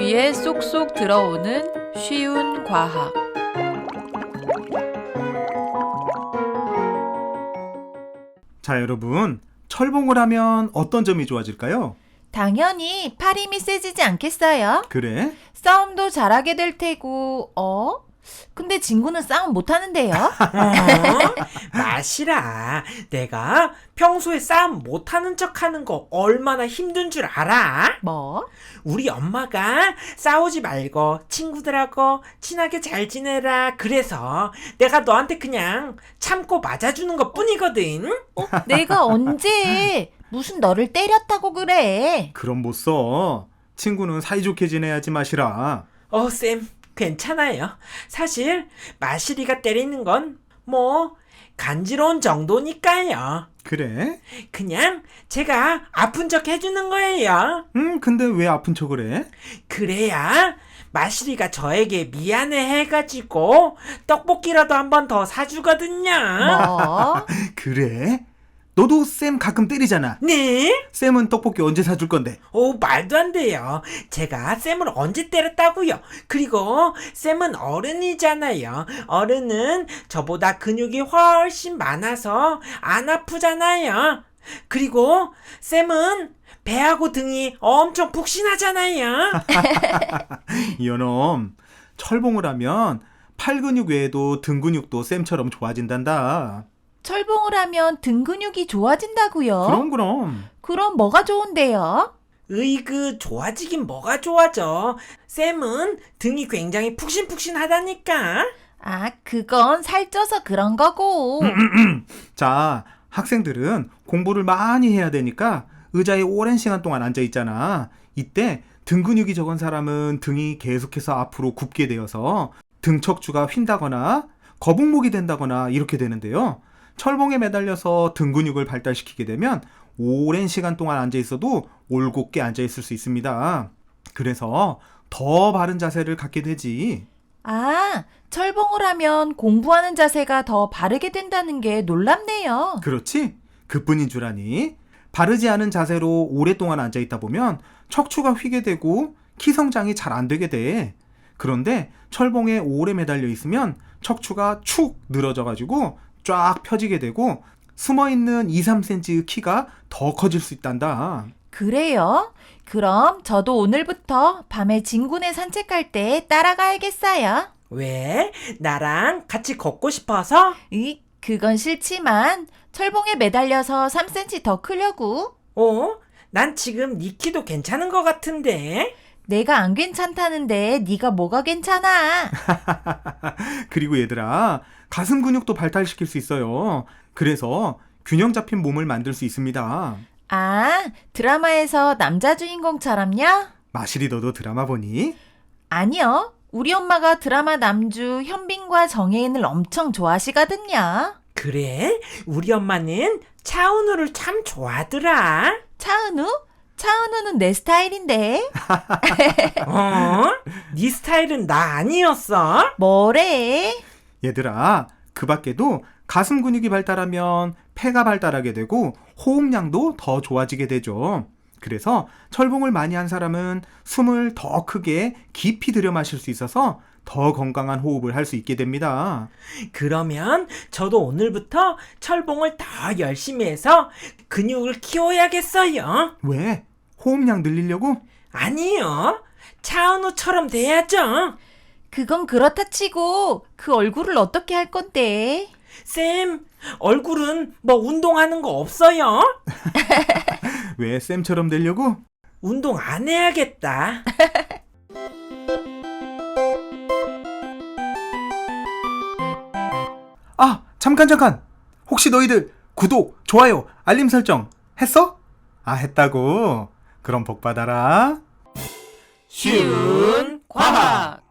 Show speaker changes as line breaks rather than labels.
귀에 쏙쏙 들어오는 쉬운 과학.
자, 여러분, 철봉을 하면 어떤 점이 좋아질까요?
당연히 팔 힘이 세지지 않겠어요?
그래?
싸움도 잘하게 될 테고, 근데 진구는 싸움 못하는데요?
마시라. 내가 평소에 싸움 못하는 척하는 거 얼마나 힘든 줄 알아?
뭐?
우리 엄마가 싸우지 말고 친구들하고 친하게 잘 지내라 그래서 내가 너한테 그냥 참고 맞아주는 것 뿐이거든.
내가 언제 무슨 너를 때렸다고 그래?
그럼 못 써. 친구는 사이좋게 지내야지 마시라.
쌤, 괜찮아요. 사실 마시리가 때리는 건 간지러운 정도니까요.
그래?
그냥 제가 아픈 척 해주는 거예요.
근데 왜 아픈 척을 해?
그래야 마시리가 저에게 미안해 해가지고 떡볶이라도 한 번 더 사주거든요.
뭐?
그래? 너도 쌤 가끔 때리잖아.
네?
쌤은 떡볶이 언제 사줄 건데?
말도 안 돼요. 제가 쌤을 언제 때렸다고요? 그리고 쌤은 어른이잖아요. 어른은 저보다 근육이 훨씬 많아서 안 아프잖아요. 그리고 쌤은 배하고 등이 엄청 푹신하잖아요.
이놈, 철봉을 하면 팔 근육 외에도 등 근육도 쌤처럼 좋아진단다.
철봉을 하면 등 근육이 좋아진다고요?
그럼.
그럼 뭐가 좋은데요?
으이그 좋아지긴 뭐가 좋아져. 쌤은 등이 굉장히 푹신푹신하다니까.
그건 살쪄서 그런 거고.
자, 학생들은 공부를 많이 해야 되니까 의자에 오랜 시간 동안 앉아 있잖아. 이때 등 근육이 적은 사람은 등이 계속해서 앞으로 굽게 되어서 등 척추가 휜다거나 거북목이 된다거나 이렇게 되는데요. 철봉에 매달려서 등 근육을 발달시키게 되면 오랜 시간 동안 앉아 있어도 올곧게 앉아 있을 수 있습니다. 그래서 더 바른 자세를 갖게 되지.
철봉을 하면 공부하는 자세가 더 바르게 된다는 게 놀랍네요.
그렇지? 그뿐인 줄 아니? 바르지 않은 자세로 오랫동안 앉아 있다 보면 척추가 휘게 되고 키 성장이 잘 안 되게 돼. 그런데 철봉에 오래 매달려 있으면 척추가 축 늘어져가지고 쫙 펴지게 되고 숨어있는 2-3cm의 키가 더 커질 수 있단다.
그래요? 그럼 저도 오늘부터 밤에 진군에 산책할 때 따라가야겠어요.
왜? 나랑 같이 걷고 싶어서?
그건 싫지만 철봉에 매달려서 3cm 더 크려고.
난 지금 네 키도 괜찮은 것 같은데.
내가 안 괜찮다는데 네가 뭐가 괜찮아?
그리고 얘들아, 가슴 근육도 발달시킬 수 있어요. 그래서 균형 잡힌 몸을 만들 수 있습니다.
드라마에서 남자 주인공처럼요?
마실이 너도 드라마 보니?
아니요. 우리 엄마가 드라마 남주 현빈과 정혜인을 엄청 좋아하시거든요.
그래? 우리 엄마는 차은우를 참 좋아하더라.
차은우? 차은우는 내 스타일인데.
네 스타일은 나 아니었어?
뭐래?
얘들아, 그 밖에도 가슴 근육이 발달하면 폐가 발달하게 되고 호흡량도 더 좋아지게 되죠. 그래서 철봉을 많이 한 사람은 숨을 더 크게 깊이 들여 마실 수 있어서 더 건강한 호흡을 할 수 있게 됩니다.
그러면 저도 오늘부터 철봉을 더 열심히 해서 근육을 키워야겠어요.
왜? 호흡량 늘리려고?
아니요. 차은우처럼 돼야죠.
그건 그렇다 치고 그 얼굴을 어떻게 할 건데?
쌤, 얼굴은 운동하는 거 없어요?
왜 쌤처럼 되려고?
운동 안 해야겠다.
잠깐! 혹시 너희들 구독, 좋아요, 알림 설정 했어? 했다고? 그럼 복 받아라.
쉬운 과학.